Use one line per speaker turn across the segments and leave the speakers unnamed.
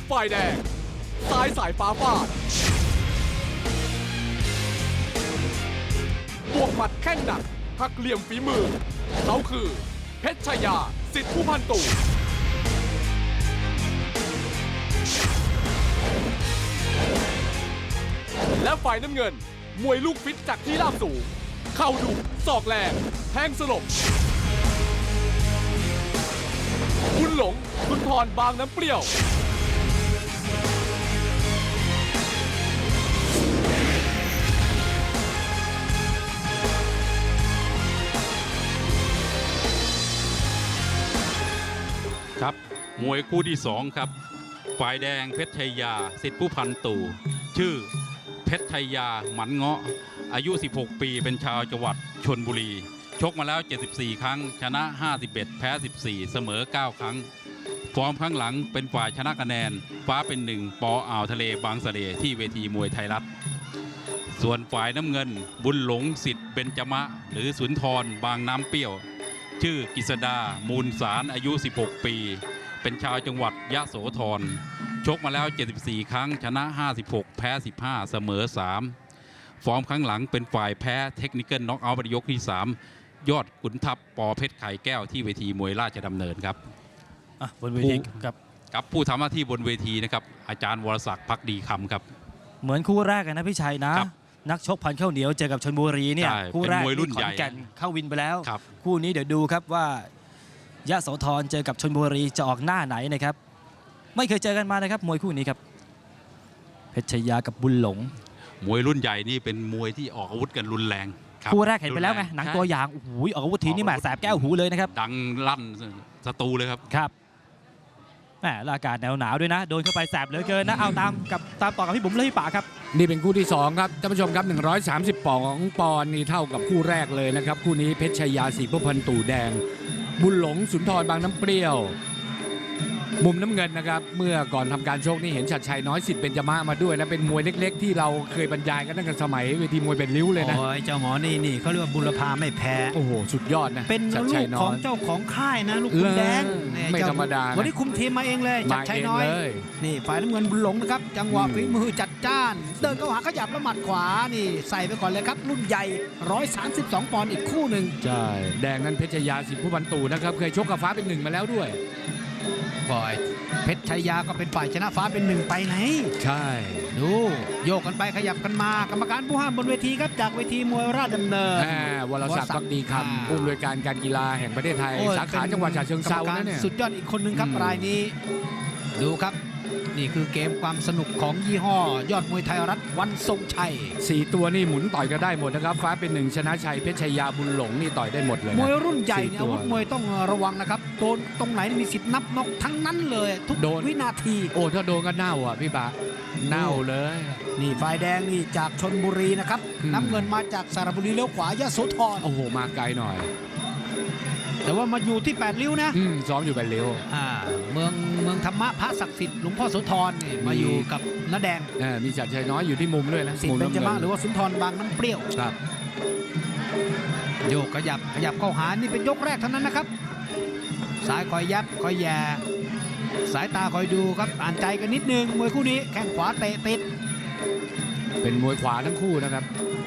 ฝ่ายแดงซ้ายสายฟ้าฟาดบวกหมัดแข้งหนักหักเหลี่ยมฝีมือเขาคือเพชรชายาสิทธิผู้พันตู่และฝ่ายน้ำเงินมวยลูกฟิตจากที่ราบสูงเข่าดุศอกแรงแทงสลบบุญหลงสุนทรบางน้ำเปรี้ยว
ครับมวยคู่ที่2ครับฝ่ายแดงเพชรชัยยาสิทธิผู้พันตู่ชื่อเพชรชัยยาหมันเงาะอายุ16ปีเป็นชาวจังหวัดชลบุรีชกมาแล้ว74ครั้งชนะ51แพ้14เสมอ9ครั้งฟอร์มครั้งหลังเป็นฝ่ายชนะคะแนนฟ้าเป็นหนึ่งปออ่าวทะเลบางสะเลที่เวทีมวยไทยรัฐส่วนฝ่ายน้ำเงินบุญหลงสิทธิ์เบญจมะหรือสุนทรบางน้ำเปรี้ยวชื่อกฤษดามูลสารอายุ16ปีเป็นชาวจังหวัดยะโสธรชกมาแล้ว74ครั้งชนะ56แพ้15เสมอ3ฟอร์มครั้งหลังเป็นฝ่ายแพ้เทคนิคน็อกเอาท์ในยกที่3ยอดขุนทัพปอเพชรไข่แก้วที่เวทีมวยราชดำเนินครับ
บนเวที
กับผู้ทำหน้าที่บนเวทีนะครับอาจารย์วรศักดิ์ภักดีคำครับ
เหมือนคู่แรกกันนะพี่ชัยนะนักชกพันข้าวเหนียวเจอกับชลบุรีเนี่ยคู่แรกที่ขอนแก่นเข้าวินไปแล้วคู่นี้เดี๋ยวดูครับว่ายะโสธรเจอกับชลบุรีจะออกหน้าไหนนะครับไม่เคยเจอกันมานะครับมวยคู่นี้ครับเพชรชยากับบุญหลง
มวยรุ่นใหญ่นี่เป็นมวยที่ออกอาวุธกันรุนแรง
คู่แรกเห็นไปแล้วไงหนังตัวอย่างโอ้โหออกอาวุธทีนี่แหมแสบแก้วหูเลยนะครับ
ดังลั่นสตูเลยครับ
แหมอากาศหนาวด้วยนะโดนเข้าไปแสบเหลือเกินนะเอาตามต่อกับพี่บุ๋มและพี่ป่าครับ
นี่เป็นคู่ที่2ครับท่านผู้ชมครับ130ปอนด์นี่เท่ากับคู่แรกเลยนะครับคู่นี้เพชรชัยยาสีผู้พันตู่แดงบุญหลงสุนทรบางน้ำเปรี้ยวมุมน้ำเงินนะครับเมื่อก่อนทำการชกนี่เห็นชัดชัยน้อยสิทธิ์เบญจมะมาด้วยนะเป็นมวยเล็กๆที่เราเคยบรรยายกันตั้งแต่สมัยเวทีมวยเป็นริ้วเลยนะ
โอ้ยเจ้าหมอนี่เขาเรียกว่าบุรพาไม่แพ้
โอ้โหสุดยอดนะ
เป็นลูกของเจ้าของค่ายนะลูกคุณแดง
ไม่ธรรมดา
วันนี้คุมทีมมาเองเลยจัดชัยน้อยนี่ฝ่ายน้ำเงินบุญหลงนะครับจังหวะฝีมือจัดจ้านเดินเข้าหาขยับแล้วหมัดขวานี่ใส่ไปก่อนเลยครับรุ่นใหญ่132ปอนด์อีกคู่หนึ่ง
ใช่แดงนั้นเพชรชัยยาสิทธิผู้พันตู่นะครับเคยชกกับฟ้าเป็น1มาแล้วด้วย
ฝ่ายเพชรชัยยาก็เป็นฝ่ายชนะฟ้าเป็น1ไปไหน
ใช่
ดูโยกกันไปขยับกันมากรรมการผู้ห้ามบนเวทีครับจากเวทีมวยราชดำเนิน
วรศักดิ์ภักดีคำผู้อำนวยการการกีฬาแห่งประเทศไทยสาขาจังหวัดฉะเชิงเทราเนี่ย
สุดยอดอีกคนนึงครับรายนี้ดูครับนี่คือเกมความสนุกของยี่ห้อยอดมวยไทยรัฐวันทรงชัย
4ตัวนี่หมุนต่อยก็ได้หมดนะครับฟ้าเป็น1ชนะชัยเพชรชัยยาบุญหลงนี่ต่อยได้หมดเลย
มวยรุ่นใหญ่เนี่ยอาวุธมวยต้องระวังนะครับโดนตรงไหนมีสิทธิ์นับน็อกทั้งนั้นเลยทุกวินาที
โอ้ถ้าโดนก็เน่าอ่ะพี่บะเน่าเลย
นี่ฝ่ายแดงนี่จากชลบุรีนะครับน้ำเงินมาจากสระบุรีเลี้ยวขวายะโสธร
โอ้โหมาไกลหน่อย
แต่ว่ามาอยู่ที่8ริ้วนะ
ซ้อมอยู่8ริ้ว
เมืองธรรมะพระศักดิ์สิทธิ์หลวงพ่อโสธรนี่มาอยู่กับน้าแดง
มีจัดชัยน้อยอยู่ที่มุมด้วยนะ
สิทธิ์เบญจมะหรือว่าสุนทรบางน้ำเปรี้ยว
ครับ
โยกขยับเข้าหานี่เป็นยกแรกเท่านั้นนะครับสายคอยยับคอยแย่สายตาคอยดูครับอ่านใจกันนิดนึงมวยคู่นี้แข้งขวาเตะติด
เป็นมวยขวาทั้งคู่นะครับ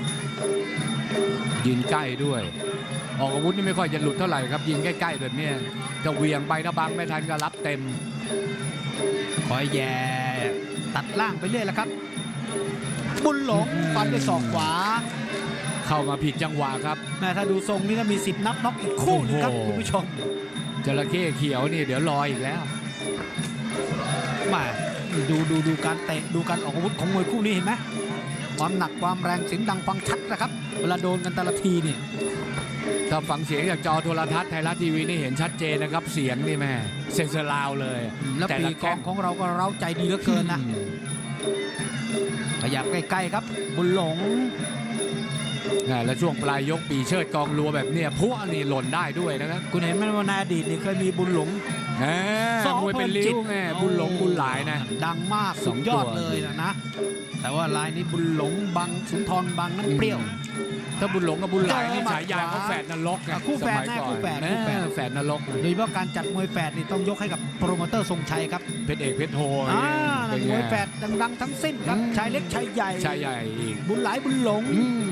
ยืนใกล้ด้วยออกอาวุธนี่ไม่ค่อยจะหลุดเท่าไหร่ครับยิงใกล้ๆแบบนี้จะเวียงไปถ้าบังไม่ทันก็รับเต็ม
คอยแย่ตัดล่างไปเรื่อยแล้วครับบุญหลงฟันด้วยศอกขวา
เข้ามาผิดจังหวะครับ
แม่ถ้าดูทรงนี่ก็มีสิทธิ์นับน็อกอีกคู่นึงครับคุณผู้ชม
จระเข้เขียวนี่เดี๋ยวรออีกแล้ว
มาดูการเตะดูการออกอาวุธของมวยคู่นี้เห็นไหมความหนักความแรงเสียงดังฟังชัดนะครับเวลาโดนกันแต่ละทีนี่
ถ้าฟังเสียงจากจอโทรทัศน์ไทยรัฐทีวีนี่เห็นชัดเจนนะครับเสียงนี่แม่เซนเซอร์ลาวเลย
แล้วปีกองของเราก็เร้าใจดีเหลือเกินนะขยับใกล้ๆครับบุญหลง
แล้วช่วงปลายยกปีเชิดกองรัวแบบเนี้ยพวกนี่หล่นได้ด้วยนะครับ
คุณเห็นไหมว่าในอดีตนี่เคยมีบุญหลง
มวยเป็นลิ้วไงบุญหลงบุญหลายนะ
ดังมากสุดยอดเลยนะ แต่ว่าลายนี้บุญหลงบังสุนทรบังน้ำเปรี้ยว
ถ้าบุญหลงกับบุญหลายนี่ฉายาเขาแฝดนรกไง
คู่แฝด
สมัย
แน่
ก่อน
คู่แฝด
แฝดนรก
โดยเฉพาะการจัดมวยแฝดนี่ต้องยกให้กับโปรโมเตอร์ทรงชัยครับ
เพชรเอกเพชรโท
นั่นมวยแฝดดังๆทั้งสิ้นครับชายเล็กชายใหญ่
ชายใหญ่อีก
บุญหลายบุญหลง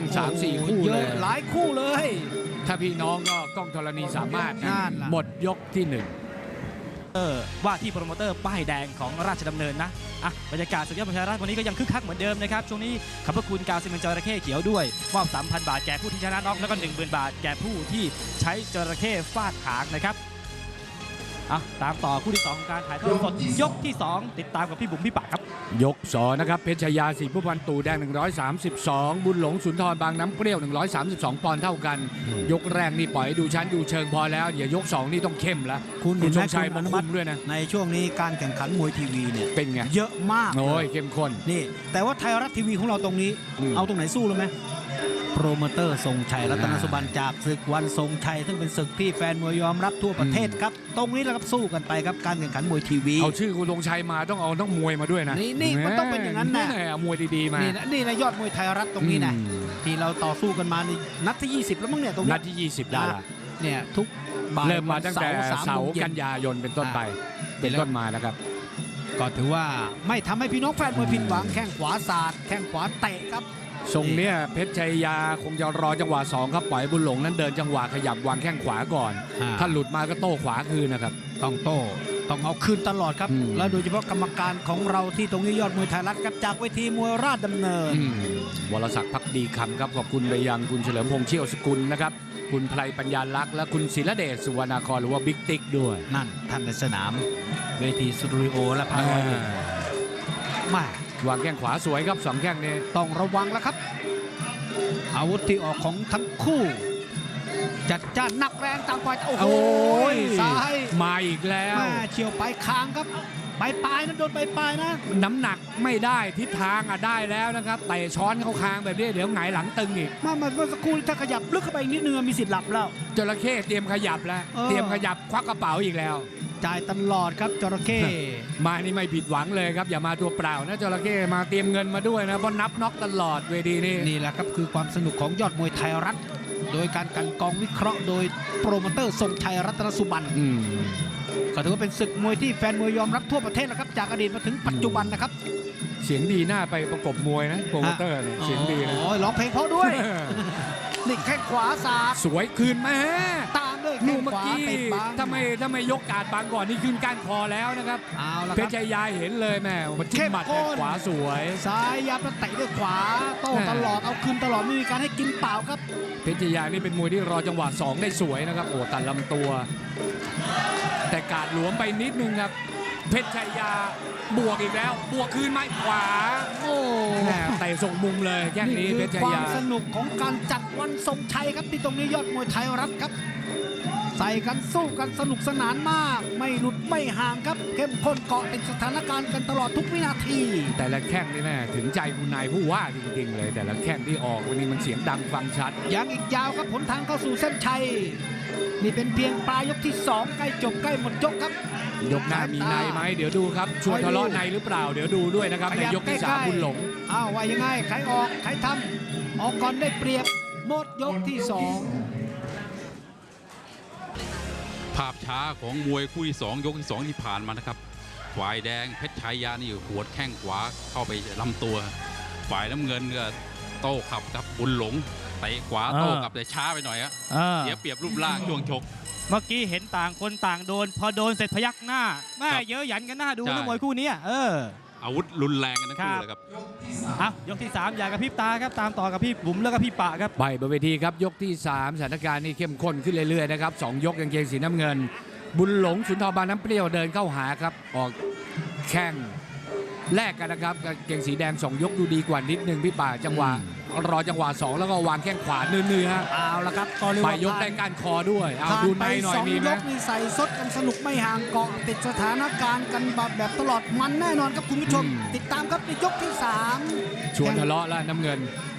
3-4 คู่
เย
เล
อะ
ย
หลายคู่เลย
ถ้าพี่น้องก็กล้องธรณีสามารถ
นั่นล่ะ
หมดยกที่ 1
ว่าที่โปรโมเตอร์ป้ายแดงของราชดำเนินนะบรรยากาศสุดยอดประชาราชวันนี้ก็ยังคึกคักเหมือนเดิมนะครับช่วงนี้ขอบพระคุณกาวซีเมนต์จระเข้เขียวด้วยมอบ 3,000 บาทแก่ผู้ที่ชนะน็อกแล้วก็ 10,000 บาทแก่ผู้ที่ใช้จระเข้ฟาดหางนะครับตามต่อคู่ที่ 2 ของการถ่ายทอดสดยกที่ 2 ติดตามกับพี่บุ๋มพี่ปากครับ
ยก2นะครับเพชรชายาสีผู้พันตู่แดง132บุญหลงสุนทรบางน้ำเปรี้ยว132ปอนด์เท่ากันยกแรกนี่ปล่อยให้ดูชั้นดูเชิงพอแล้วเดี๋ยวยก2นี่ต้องเข้มแล้วคุณชงชัยมาคุมด้วยนะ
ในช่วงนี้การแข่งขันมวยทีวีเนี่ย
เป็นไง
เยอะมาก
โอ้ยเข้มข้น
นี่แต่ว่าไทยรัฐทีวีของเราตรงนี้เอาตรงไหนสู้เลยไหมโปรโมเตอร์ทรงชัยรัตนสุบรรณจากศึกวันทรงชัยซึ่งเป็นศึกที่แฟนมวยยอมรับทั่วประเทศครับตรงนี้แหละครับสู้กันไปครับการแข่งขันมวยทีวี
เอาชื่อคุณทรงชัยมาต้องเอาต้องมวยมาด้วยนะ
นี่มันต้องเป็นอย่างนั้นนะ
เอามวยดีๆมา
นี่นะยอดมวยไทยรัฐตรงนี้นะที่เราต่อสู้กันมาในนัดที่20แล้วมั้งเนี่ยตรงนี้
นัดที่20ได้ละ
เนี่ยทุก
เริ่มมาตั้งแต่เสาร์กันยายนเป็นต้นไปเป็นต้นมานะครับ
ก็ถือว่าไม่ทำให้พี่น้องแฟนมวยผิดหวังแข้งขวาสาดแข้งขวาเตะครับ
ทรงเนี้ยเพชรชัยยาคงจะรอจังหวะ2ครับปล่อยบุญหลงนั้นเดินจังหวะขยับวางแข้งขวาก่อนถ้าหลุดมาก็โต้ขวาคืนนะครับ
ต้องโต้ต้องเอาคืนตลอดครับแล้วโดยเฉพาะกรรมการของเราที่ตรงนี้ยอดมวยไทยรัฐครับจากเวทีมวยราชดำเนิน
วรศักดิ์ภักดีคำครับขอบคุณไปยังคุณเฉลิมพงษ์เชี่ยวสกุลนะครับคุณไพรปัญญาลักษณ์และคุณศิลเดชสุวรรณาครหรือว่าบิ๊กติ๊กด้วย
นั่นท่านในสนามเวทีสตูดิโอและพาร์ทม
าวางแข้งขวาสวยครับ2แข้งนี้
ต้องระวังแล้วครับอาวุธที่ออกของทั้งคู่จัดจ้านหนักแรงต่างฝ่ายโอ้โหซ้าย
มาอีกแล้ว
เฉียวไปคางครับปลายนะโดนปลายนะ
น้ำหนักไม่ได้ทิศทางได้แล้วนะครับเตะช้อนเข้าคางแบบนี้เดี๋ยวหงายหลังตึงอีก
เมื่อสักครู่ถ้าขยับลึกเข้าไปอีกนิดนึงมีสิทธิ์หลับแล้ว
จระเข้เตรียมขยับแล้วเตรียมขยับควักกระเป๋าอีกแล้ว
จ่ายตลอดครับจระเข้
มานี่ไม่ผิดหวังเลยครับอย่ามาตัวเปล่านะจระเข้มาเตรียมเงินมาด้วยนะเพราะนับน็อกตลอดเวที
นี่แหละครับคือความสนุกของยอดมวยไทยรัฐโดยการกันกองวิเคราะห์โดยโปรโมเตอร์ทรงชัยรัตนสุบรรณก็ถือว่าเป็นศึกมวยที่แฟนมวยยอมรับทั่วประเทศแล้วครับจากอดีตมาถึงปัจจุบันนะครับ
เสียงดีหน้าไปประกบมวยนะโปรโมเตอร์เสียงดีนะ
ร้องเพลงเพราะด้วยนี่แข้งขวาสาด
สวยคืนมา
ตามด้วย
แข้งขวาติดบังถ้าไม่ยกกาดบังก่อนนี่ขึ้นก้านคอแล้วนะครับเพชรชัยยาเห็นเลยแม่มันจิ้มหมัดขวาสวย
ซ้ายยับแล้วเตะด้วยขวาโต้ตลอดเอาคืนตลอดไม่มีการให้กินเปล่าครับ
เพชรชัยยานี่เป็นมวยที่รอจังหวะ2ได้สวยนะครับโอ้ตัดลำตัวแต่กาดหลวมไปนิดนึงครับเพชรชัยยาบวกอีกแล้วบวกคืนไม้ขวา
โอ้
เตะส่งมุมเลยแค่นี้เพชรชัยยา
ความสนุกของการจัดวันทรงชัยครับที่ตรงนี้ยอดมวยไทยรัฐครับใส่กันสู้กันสนุกสนานมากไม่หลุดไม่ห่างครับเข้มข้นเกาะติดสถานการณ์กันตลอดทุกวินาที
แต่ละแข้งนี่แม่ถึงใจคุณนายผู้ว่าจริงๆเลยแต่ละแข้งที่ออกวันนี้มันเสียงดังฟังชัด
ยังอีกยาวครับผลทางเข้าสู่เส้นชัยนี่เป็นเพียงปลายยกที่2ใกล้จบใกล้หมดยกครับ
ยกหน้ามีในไหมเดี๋ยวดูครับชวนทะเลาะในหรือเปล่าเดี๋ยวดูด้วยนะครับในยกที่3บุญหลง
ว่ายังไงใครออกใครทำออกก่อนได้เปรียบหมดยกที่2
ภาพช้าของมวยคู่ที่2ยกที่2ที่ผ่านมานะครับฝ่ายแดงเพชรชัยยานี่หัวแข้งขวาเข้าไปลำตัวฝ่ายน้ำเงินก็โต้ขับกับบุญหลงเตะขวาโต้กับแต่ช้าไปหน่อยครับเสียเปรียบรูปร่างช่วงชก
เมื่อกี้เห็นต่างคนต่างโดนพอโดนเสร็จพยักหน้าแม่เยอะหยันกันหน้าดูนะมวยคู่นี้
อาวุธรุนแรงกันทั้งคู่เลยครับ
ยกที่3อย่ากระพริบตาครับตามต่อกับพี่บุ๋มแล้วก็พี่ปะครับ
ไปบนเวทีครับยกที่3สถานการณ์นี่เข้มข้นขึ้นเรื่อยๆนะครับ2ยกกางเกงสีน้ำเงินบุญหลงสุนทรบางน้ำเปรี้ยวเดินเข้าหาครับออกแข้งแลกกันนะครับกางเกงสีแดง2ยกดูดีกว่านิดนึงพี่ป่าจังหวะรอจังหวะ2แล้วก็วางแข้งขวาเนื้อๆ
เอาละครับ
ไปยกได้การคอด้วยเอาดูในหน่อยมีไหม
ยกนี่ใส่สดกันสนุกไม่ห่างเกาะติดสถานการณ์กันแบบตลอดมันแน่นอนครับคุณผู้ชมติดตามครับในยกที่3
ชวนทะเลาะแล้วน้ำเงิน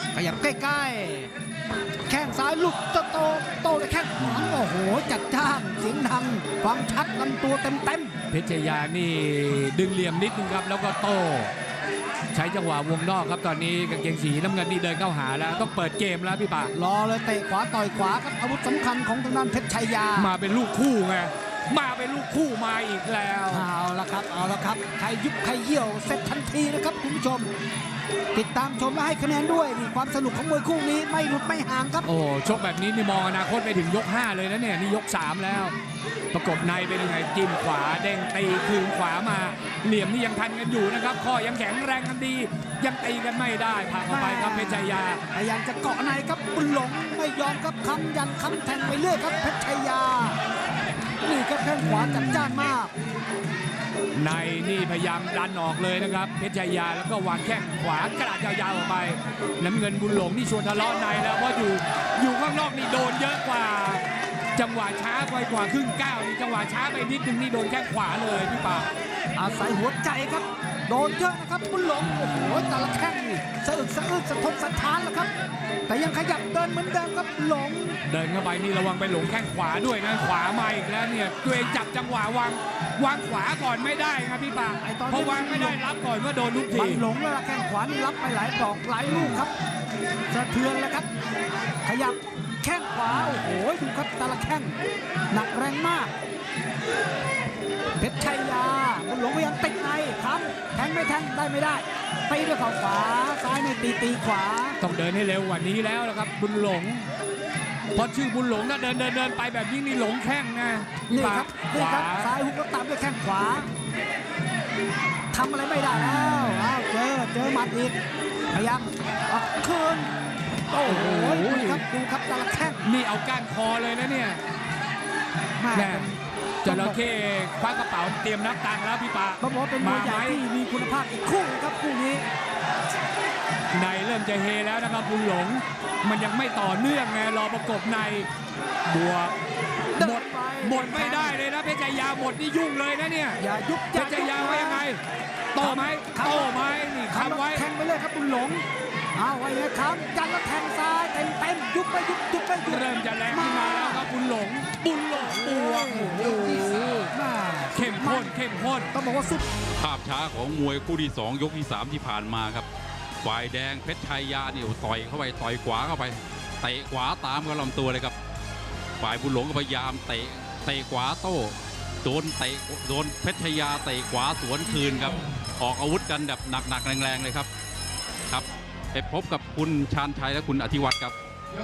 ขยับใกล้ๆแข้งซ้ายหลุดโตเลยแข้งขวาโอ้โหจัดจ้านเสียงดังฟังชัดลำตัวเต็ม
เพชรชายานี่ดึงเหลี่ยมนิดนึงครับแล้วก็โต้ใช้จังหวะวงนอกครับตอนนี้กางเกงสีน้ำเงินนี่เดินเข้าหาแล้วต้องเปิดเกมแล้วพี่ป่าร
อเลยเตะขวาต่อยขวาครับอาวุธสำคัญของทางด้านเพชรชัยยา
มาเป็นลูกคู่ไงมาเป็นลูกคู่มาอีกแล้ว
เอาละครับใครยุบใครเยี่ยวเสร็จทันทีนะครับคุณผู้ชมติดตามชมและให้คะแนนด้วยนี่ความสนุกของมวยคู่นี้ไม่หลุดไม่ห่างครับ
โอ้ชกแบบนี้นี่มองอนาคตไปถึงยก5เลยนะเนี่ยนี่ยก3แล้วประกบในเป็นยังไงจิ้มขวาเด้งตีคืนขวามาเหลี่ยมนี่ยังทันกันอยู่นะครับข้อยังแข็งแรงกันดียังตีกันไม่ได้ผ่านเข้าไปครับเพชรชัยยา
พยายามจะเกาะในครับบุญหลงไม่ยอมครับคำยันคำแทงไปเรื่อยครับเพชรชัยยานี่ครับแข้งขวาจัดจ้านมาก
ในนี่พยายามดันออกเลยนะครับเพชรชัยยาแล้วก็วางแข้งขวากระดาษยาวๆออกไปน้ำเงินบุญหลงนี่ชวนทะเลาะในแล้วเพราะอยู่ข้างนอกนี่โดนเยอะกว่าจังหวะช้าไปกว่าครึ่งก้าวนี่จังหวะช้าไปนิดนึงนี่โดนแข้งขวาเลยพี่ป่า
อาศัยหัวใจครับโดนเยอะนะครับบุญหลงโอ้โหแต่ละแข้งนี่สะอึกสะอื้นสะทกสะท้านแล้วครับแต่ยังขยับเดินเหมือนเดิมครับหลง
เดินเข้าไปนี่ระวังไปหลงแข้งขวาด้วยนะขวามาอีกแล้วเนี่ยตัวเองจับจังหวะวางขวาก่อนไม่ได้ครับพี่ป่าเพราะวางไม่ได้รับก่อนก็โดนลูกที
หลงแล้วแข้งขวานี่รับไปหลายดอกหลายลูกครับสะเทือนแล้วครับขยับแข้งขวาโอ้โหดูครับแต่ละแข้งหนักแรงมากเพชรชัยยาบุญหลงพยายามติดในครับแทงไม่แทงได้ไม่ได้ตีด้วยเข่าขวาซ้ายไม่ตีขวา
ต้องเดินให้เร็วกว่านี้แล้วนะครับบุญหลงพอชื่อบุญหลงถ้าเดินไปแบบนี้นี่หลงแข้งนะ
นี่ครับซ้ายหุกแล้วตามด้วยแข้งขวาทำอะไรไม่ได้แล้วเจอหมัดอีกพยายามออกคืนโอ้โหดูครับแต่ละแข้ง
นี่เอาก้านคอเลยนะเนี่ยแม่จระเข้คว้ากระเป๋าเตรียมนับตังค์แล้วพี่ปา
เขาบอกเป็นมวยใหญ่ที่มีคุณภาพอีกคู่ครับคู่นี้
ในเริ่มจะเฮแล้วนะครับบุญหลงมันยังไม่ต่อเนื่องไงรอประกบในบวกหมดไม่ได้เลยนะเพชรชัยยาหมดนี่ยุ่งเลยนะเนี่ย
อย่ายุบ
เพชรชัยยาว่ายังไงโตไหมนี่คำไว้
แทงไปเลยครับบุญหลงเอาไว้เลยครับยันแล้วแทงซ้ายเต็มยุบไป
เริ่มจะแรงขึ้นมาแล้วครับบุญหลงบวกโอ้โหเข้มข้น
ต้องบอกว่าสุด
ภาพช้าของมวยคู่ที่2ยกที่3ที่ผ่านมาครับฝ่ายแดงเพชรชัยยาเนี่ยต่อยเข้าไปต่อยขวาเข้าไปเตะขวาตามกับลำตัวเลยครับฝ่ายบุญหลงก็พยายามเตะขวาโต้โดนเพชรชัยยาเตะขวาสวนคืนครับออกอาวุธกันแบบหนักแรงๆเลยครับไปพบกับคุณชาญชัยและคุณอธิวัตรครับ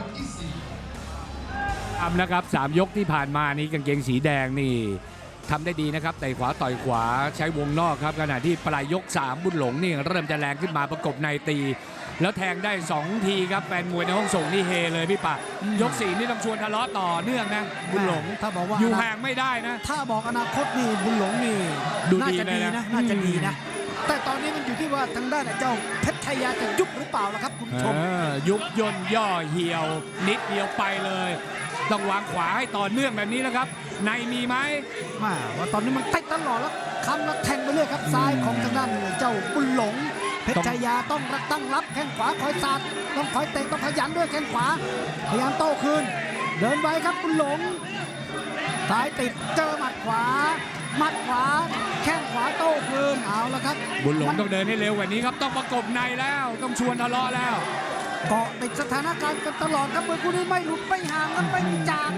นะครับ3ยกที่ผ่านมานี้กางเกงสีแดงนี่ทำได้ดีนะครับเตะขวาต่อยขวาใช้วงนอกครับขณะที่ปลายยก3บุญหลงนี่เริ่มจะแรงขึ้นมาประกบในตีแล้วแทงได้2ทีครับแฟนมวยในห้องส่งนี่เฮเลยพี่ปะยก4นี่ต้องชวนทะเลาะต่อเนื่องนะบุญหลง
ถ้าบอกว่า
อยู่ห่างไม่ได้นะ
ถ้าบอกอนาคตนี่บุญหลงนี่
ดูดีเลยนะ
น่าจะดีนะแต่ตอนนี้มันอยู่ที่ว่าทางด้านเจ้าเพชรชัยยาจะยุบหรือเปล่าล่ะครับคุณผู้ชม
ยุบย่นย่อเหี่ยวนิดเดียวไปเลยต้องวางขวาให้ต่อเนื่องแบบนี้แล้วครับในมีไหม
ว่าตอนนี้มันติดตลอดแล้วคำแล้วแทงไปเรื่อยครับซ้ายของทางด้านเจ้าบุญหลงเพชรชัยยาต้องตั้งรับแข้งขวาคอยสาดต้องคอยเตะต้องขยันด้วยแข้งขวาพยายามโต้คืนเดินไว้ครับบุญหลงซ้ายติดเจอหมัดขวาแข้งขวาโต้คืนเอาละครับ
บุญหลงต้องเดินให้เร็วกว่านี้ครับต้องประกบในแล้วต้องชวนทะเลาะแล้ว
เกาะติดสถานการณ์กันตลอดครับมวยคู่นี้ไม่หลุดไม่ห่างกันไม่จาง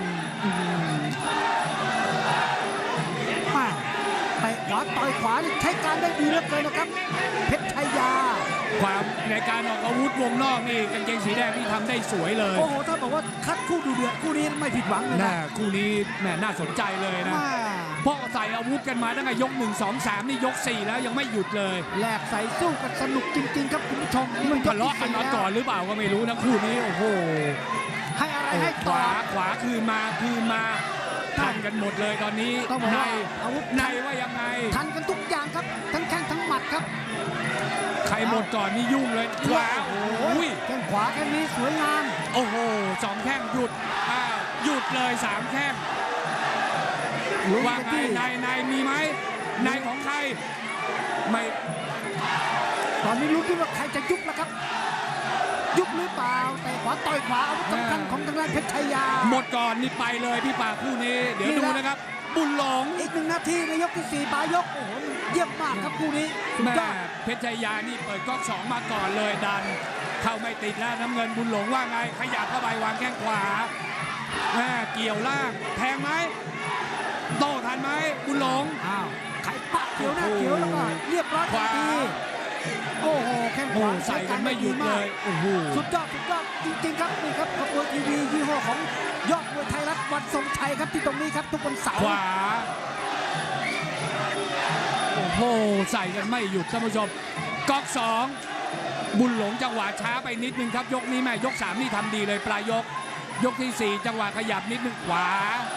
เตะขวาต่อยขวาใช้การได้ดีเหลือเกินนะครับเพชรชัยยา
ความในการออกอาวุธวงนอกนี่กางเกงสีแดงนี่ทำได้สวยเลย
โอ้โหถ้าบอกว่าคัดคู่ดูเดือดคู่นี้ไม่ผิดหวังเลยนะ
คู่นี้แหมน่าสนใจเลยนะเพราะใส่อาวุธกันมาตั้งแต่ยก1 2 3นี่ยก4แล้วยังไม่หยุดเลย
แลกใส่สู้กันสนุกจริงๆครับคุณผู้ชม
มันทะเลาะกันมาก่อนหรือเปล่าก็ไม่รู้นะคู่นี้โอ้โห
ให้อะไรให้
ขวาคืนมาทันกันหมดเลยตอนนี้ใน
อาวุธ
ในว่ายังไง
ทันกันทุกอย่างครับทั้งแข้งทั้งหมัดครับ
ใครหมดก่อนนี่ยุ่งเลยขวา
โอ้ยแข้งขวาแค่นี้สวยงาม
โอ้โห2แข้งหยุดเลย3แข้งว่าไงในมีไหมในของใครไม่
ตอนนี้รู้ที่ว่าใครจะยุบแล้วครับยุบหรือเปล่าแต่ขวาต่อยขวาอาวุธสำคัญของทางด้านเพชรชัยยา
หมดก่อนนี่ไปเลยพี่ป่าคู่นี้เดี๋ยวดูนะครับบุญหลง
อีก1 นาทีในยกที่4ปลายยกโอ้โหเยี่ยมมากครับคู่นี้สุด
แม่
ยอด
เพชรชัยยานี่เปิดก๊อก2มาก่อนเลยดันเข้าไม่ติดแล้วน้ำเงินบุญหลงว่าไงขยับเข้าไปวางแข้งขวาแม่เกี่ยวล่างแทงไหมโต้ทันไหมบุญหลง
อ้าวไข่ปักเขียวหน้าเขียวแล้วก็เรียบร้อยทันทีโอ้โหแข้งขวา
ใส่กันไม่หยุดเลยโอ้โห
สุดยอดจริงๆครับนี่ครับขบวนทีวียี่ห้อของยอดมวยไทยรัฐวันทรงชัยครับที่ตรงนี้ครับทุกวันเสาร์
ขวาโอ้โหใส่กันไม่หยุดท่านผู้ชมก๊อก2บุญหลงจังหวะช้าไปนิดนึงครับยกนี้แม่ยก3นี่ทำดีเลยปลายยกที่4จังหวะขยับนิดนึงขวา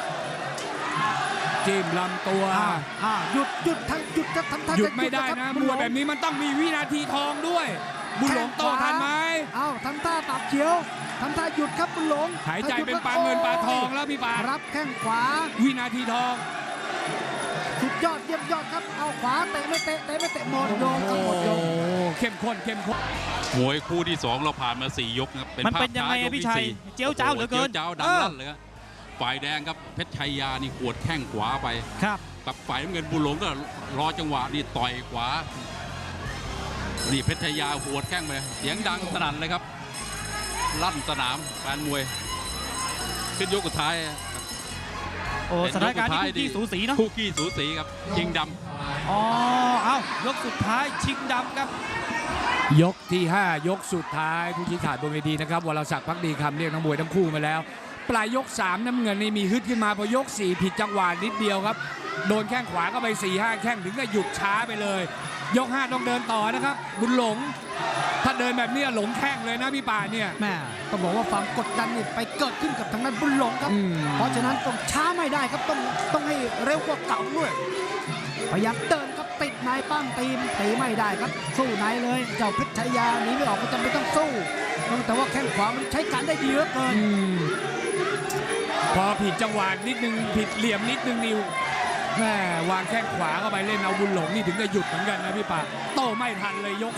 จิ้มลำตัว
หยุดทั้งหยุดจะทำท่า
หยุดไม่ได้นะมวยแบบนี้มันต้องมีวินาทีทองด้วยบุญหลงโตทันไหม
ทำท่าปากเขียวทำท่าหยุดครับบุญหลง
หายใจเป็นปลาเงินปลาทองแล้วพี่ปา
รับแข้งขวา
วินาทีทอง
สุดยอดเยี่ยมยอดครับเอาขวาเตะไม่เตะหมดโยงครับหมดโยง
เข้มข้น
มวยคู่ที่2เราผ่านมา4 ยกครับ
มันเป็นยังไงพี่ชัยเจียวจ้าวเหลือเกิน
เจียวจ้าวดังลั่นเลยครับฝ่ายแดงครับเพชรชัยยานี่ขวดแข้งขวาไป
ครับ
กับฝ่ายน้ำเงินบุญหลงก็รอจังหวะนี่ต่อยขวานี่เพชรชัยยาขวดแข้งไปเสียงดังสนั่นเลยครับลั่นสนามแฟนมวยขึ้นยกสุดท้าย
โอ้สถานการณ์นี้คู่ขี้สูสีเนาะ
คู่ขี้สูสีครับชิงด
ำเอายกสุดท้ายชิงดำครับ
ยกที่5ยกสุดท้ายผู้ชี้ขาดบนเวทีนะครับวรศักดิ์ภักดีคำเรียกนักมวยทั้งคู่มาแล้วปลายยก3น้ำเงินนี่มีฮึดขึ้นมาพอยก4ผิดจังหวะนิดเดียวครับโดนแข้งขวาก็ไป 4-5 แข้งถึงก็หยุดช้าไปเลยยก5ต้องเดินต่อนะครับบุญหลงถ้าเดินแบบนี้หลงแข้งเลยนะพี่ป่าเนี่ย
แม่ต้องบอกว่าความกดดันนี่ไปเกิดขึ้นกับทางด้านบุญหลงครับเพราะฉะนั้นต้องช้าไม่ได้ครับต้องให้เร็วกว่าเก่าด้วยพยายามเดินครับติดนายปั้มตีไม่ได้ครับสู้ไหนเลยเจ้าเพชรชัยยาหนีไม่ออกก็จำเป็นต้องสู้แต่ว่าแข้งขวามันใช้การได้ดีเหลือเกิน
พอผิดจังหวะนิดนึงผิดเหลี่ยมนิดนึงนิวแม่วางแข้งขวาเข้าไปเล่นเอาบุญหลงนี่ถึงจะหยุดเหมือนกันนะพี่ป่าโต้ไม่ทันเลยยก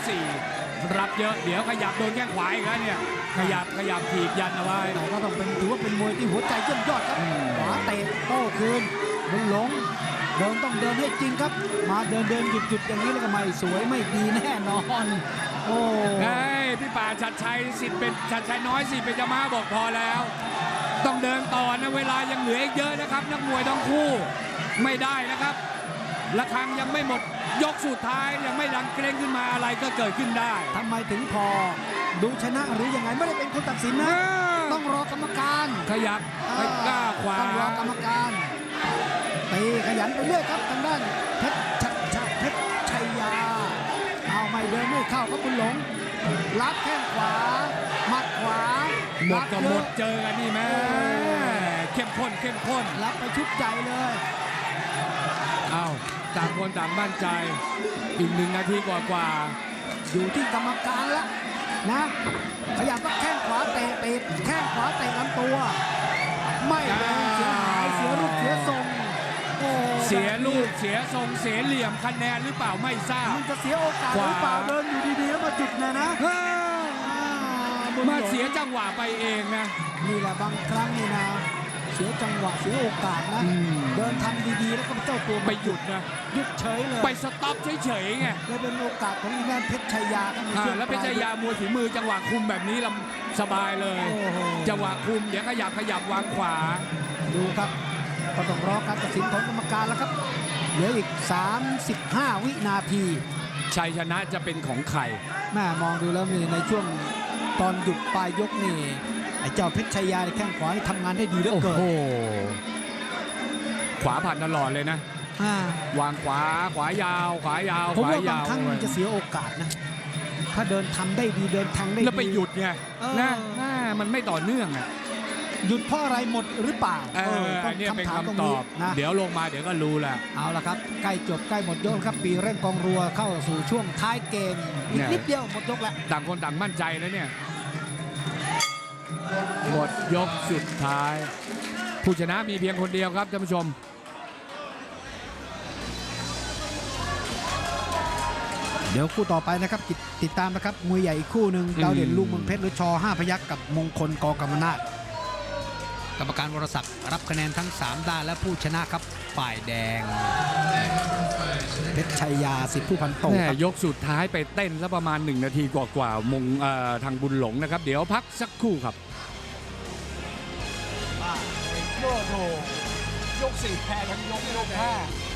4รับเยอะเดี๋ยวขยับโดนแข้งขวาอีกแล้วเนี่ยขยับถีบยันเอาไว้
ก็ต้องถือว่าเป็นมวยที่หัวใจเยี่ยมยอดครับขวาเตะโต้คืนบุญหลงเดินต้องเดินให้จริงครับมาเดินหยุดอย่างนี้แล้วก็ไม่สวยไม่ดีแน่นอนโอ้
พี่ป่าชัดชัยสิทธิ์เป็นชัดชัยน้อยสิทธิ์เป็นจะมาบอกพอแล้วต้องเดินต่อนะเวลายังเหลืออีกเยอะนะครับนักมวยทั้งคู่ไม่ได้นะครับระฆังยังไม่หมดยกสุดท้ายยังไม่ดังเกรงขึ้นมาอะไรก็เกิดขึ้นได้
ทำไมถึงพอดูชนะหรือยังไงไม่ได้เป็นคนตัดสินนะต้องรอกรรมการ
ขยับไปก้าขวา
ต้องรอกรรมการตีขยันไปเรื่อยครับทางด้านเพชรชัยยาเอาไม่เดินไม่เข้าครับบุญหลงรับแข้งขวาหมัดขวา
หมดกับหมดเจอกันนี่แม่เข้มข้น
รับไปชุดใหญ่เลย
ต่างคนต่างมั่นใจอีก1 นาทีกว่า
อยู่ที่กรรมการแล้วนะขยับก็แข้งขวาเตะแข้งขวาเตะลำตัวไม่เดินเสียหายเสียรูปเสียทรง
เสียลูกเสียทรงเสียเหลี่ยมคะแนนหรือเปล่าไม่ทราบ
มันจะเสียโอกาสหรือเปล่าเดินอยู่ดีๆแล้วมาจุดนะ
มาเสียจังหวะไปเองนะ
นี่แหละบางครั้งนี่นะเสียจังหวะเสียโอกาสนะเดินทำดีๆแล้วก็เจ้าตัว
ไปหยุดนะ
หยุดเฉยเลย
ไปสต็อปเฉยๆไง
แล้วเป็นโอกาสของอีแมนเพชรชัยยา
แล้วเพชรชัยยามวยฝีมือจังหวะคุมแบบนี้ลำสบายเลยจังหวะคุมเดี๋ยวขยับวางขวา
ดูครับก็ต้องรอการตัดสินของกรรมการแล้วครับเหลืออีก35 วินาที
ชัยชนะจะเป็นของใคร
แม่มองดูแล้วนี่ในช่วงตอนหยุดปลายยกนี่ไอ้เจ้าเพชรชัยยาในแข้งขวาที่ทำงานได้ดีเหลือเกิน
ขวาผ่านตลอดเลยนะวางขวายาว
ผมว่าบางครั้งมันจะเสียโอกาสนะถ้าเดินทำได้ดีเดินทางได้ดี
แล้วไปหยุดไงนะมันไม่ต่อเนื่องอ่ะ
หยุดเพราะอะไรหมดหรือเปล่า
นี่เป็นคำตอบนะเดี๋ยวลงมาเดี๋ยวก็รู้แหละ
เอาละครับใกล้จบใกล้หมดยกครับปีเร่งกองรัวเข้าสู่ช่วงท้ายเกมอีกนิดเดียวหมดยกแล้ว
ต่างคนต่างมั่นใจแล้วเนี่ยหมดยกสุดท้ายผู้ชนะมีเพียงคนเดียวครับท่านผู้ชม
เดี๋ยวคู่ต่อไปนะครับติดตามนะครับมวยใหญ่อีกคู่หนึ่งดาวเด่นลูกเมืองเพชรหรือช5 พยัคฆ์กับมงคลกกำมนาจกรรมการวรศักดิ์รับคะแนนทั้ง3ด้านและผู้ชนะครับฝ่ายแดงเพชรชัยยาสิทธิผู้พันโตครับ
ยกสุดท้ายไปเต้นซะประมาณ1 นาทีกว่าๆมงทางบุญหลงนะครับเดี๋ยวพักสักครู่ครับ
โอ้โหยก4แพ้ทั้งยก5